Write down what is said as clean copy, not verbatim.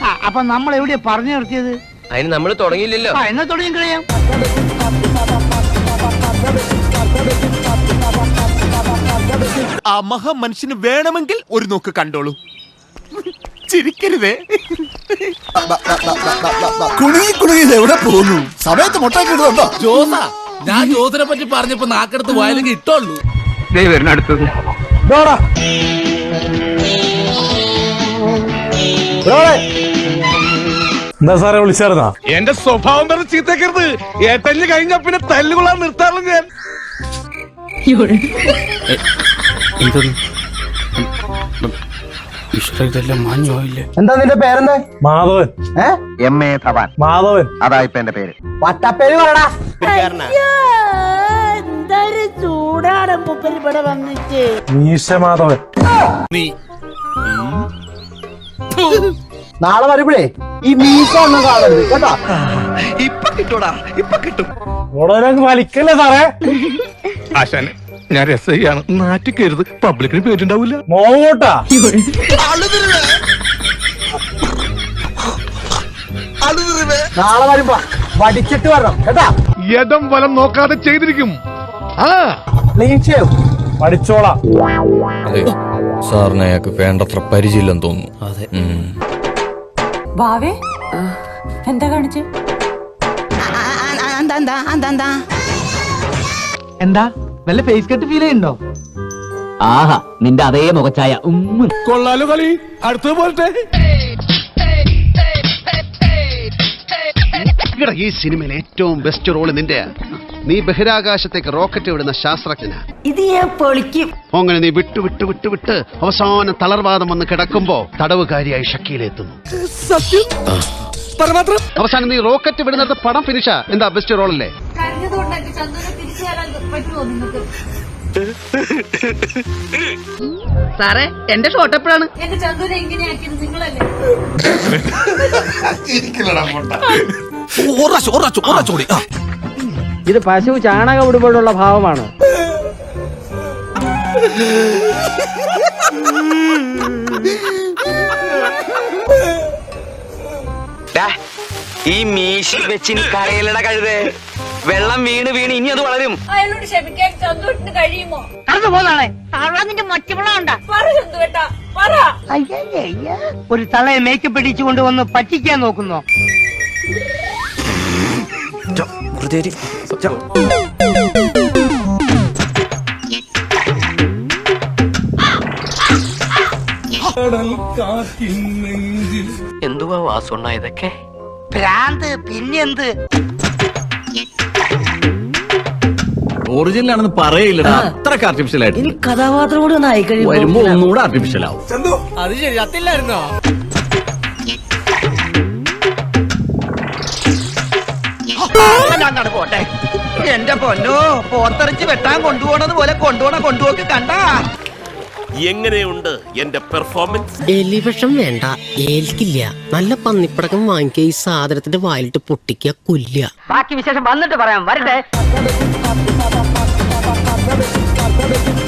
അപ്പൊ നമ്മൾ എവിടെയാ പറഞ്ഞു നിർത്തിയത്? അതിന് നമ്മൾ തുടങ്ങിയില്ലല്ലോ. എന്നാ തുടങ്ങി കഴിയാം. ആ മഹാമനുഷ്യന് വേണമെങ്കിൽ ഒരു നോക്ക് കണ്ടോളൂ. ചിരിക്കരുതേ. എവിടെ പോകുന്നു? സമയത്ത് മുട്ടാക്കിടുന്നുണ്ടോ? ജോസാ, ഞാൻ ജോസിനെ പറ്റി പറഞ്ഞപ്പോ നാക്കെടുത്ത് വായിലെങ്കിൽ ഇട്ടോളൂ. അടുത്തത് എന്താ സാറേ വിളിച്ചായിരുന്നാ? എന്റെ സ്വഭാവം പറഞ്ഞ് ചീത്തക്കരുത്. ഏട്ടല് കഴിഞ്ഞ പിന്നെ തല്ലുകൊള്ളാൻ നിർത്താറുള്ളൂ ഞാൻ. എന്താ നിന്റെ പേരെന്താ? മാധവൻ. MA തവാൻ. മാധവൻ അതാ ഇപ്പൊ എന്റെ പേര്. വട്ടപ്പേര് പറടാ. എന്തൊരു ചൂടാണ് മൂപ്പര് ഇവിടെ വന്നിട്ട്. മീശ മാധവൻ. നീ നാളെ വരുമ്പോഴേ ഈ മീശ ഒന്നും കാണരുത് കേട്ടോ. ഇപ്പൊ കിട്ടൂടാ, ഇപ്പൊ കിട്ടും. ഉടനെ വലിക്കല്ലേ സാറേ? ആശാനെ, ഞാൻ രസയാണ്. നാറ്റിക്കരുത്, പബ്ലിക്കിന് പേരുണ്ടാവില്ല. മോട്ടാ നാളെ വരുമ്പോ വടിച്ചിട്ട് വരണം കേട്ടാ. യഥം വലം നോക്കാതെ ചെയ്തിരിക്കും. Clean shave. പഠിച്ചോളാം. സാറിന് അയാൾക്ക് വേണ്ടത്ര പരിചയമില്ലെന്ന് തോന്നുന്നു. അതെ. ബാവേ എന്താ കാണിച്ചു? എന്താ വല്ല ഫേസ് കട്ട് ഫീൽ ചെയ്യുന്നുണ്ടോ? ആഹാ, നിന്റെ അതേ മുഖച്ചായ. കൊള്ളാലോ കളി. അടുത്തത് പോലത്തെ ഈ സിനിമയിൽ ഏറ്റവും ബെസ്റ്റ് റോള് നിന്റെ. നീ ബഹിരാകാശത്തേക്ക് റോക്കറ്റ് വിടുന്ന ശാസ്ത്രജ്ഞനാ. ഇത് ഞാൻ പൊളിക്കും. അങ്ങനെ നീ വിട്ട് വിട്ട് വിട്ട് വിട്ട് അവസാനം തളർവാദം വന്ന് കിടക്കുമ്പോ തടവുകാരിയായി ഷക്കീലെത്തുന്നു. അവസാനം നീ റോക്കറ്റ് വിടുന്നിടത്ത് പടം ഫിനിഷാ. എന്താ ബെസ്റ്റ് റോളല്ലേ? സാറേ എന്റെ ഷോട്ട് എപ്പോഴാണ്? എന്റെ ചന്ദൂരെ എങ്ങനെയാക്കിയത് നിങ്ങളല്ലേ? ഇത് പശു ചാണകം ഇടുമ്പോഴുള്ള ഭാവമാണ്. ഈ മീശി വെച്ചിന് കരയിലട കഴുതേ. വെള്ളം വീണ് വീണ് ഇനി അത് വളരും. അയാളോട് ക്ഷമിക്കാൻ ചന്ദൂട്ടിന് കഴിയുമോ? കടന്നു പോന്നാണേ. ഒരു തളയെ മേക്കപ്പ് ഇടിച്ചു കൊണ്ടുവന്ന് പറ്റിക്കാൻ നോക്കുന്നോ? എന്തുവാ വാസുണ്ണ ഇതൊക്കെ? ഭ്രാന്ത് പിന്നെന്ത്? ഒറിജിനൽ ആണെന്ന് പറയില്ലടാ, അത്രക്ക് ആർട്ടിഫിഷ്യൽ ആയിട്ട്. ഇനി കഥാപാത്രം കൂടി ഒന്ന് ആയിക്കഴിയുമ്പോ വരുമ്പോ ഒന്നുകൂടെ ആർട്ടിഫിഷ്യൽ ആവും. അത് ശരി, അതില്ലായിരുന്നോ? പോട്ടെ. എന്റെ പൊന്നോ, പോർത്തറിച്ച് വെട്ടാൻ കൊണ്ടുപോണത് പോലെ കൊണ്ടുപോക്ക് കണ്ടാ. എങ്ങനെയുണ്ട് എന്റെ പെർഫോമൻസ്? എലിവിഷം വേണ്ട, ഏൽക്കില്ല. നല്ല പന്നിപ്പടക്കം വാങ്ങിക്കുക, ഈ സാധനത്തിന്റെ വായിലിട്ട് പൊട്ടിക്കുക, കൊല്ലുക. ബാക്കി വിശേഷം വന്നിട്ട് പറയാം. വരട്ടെ.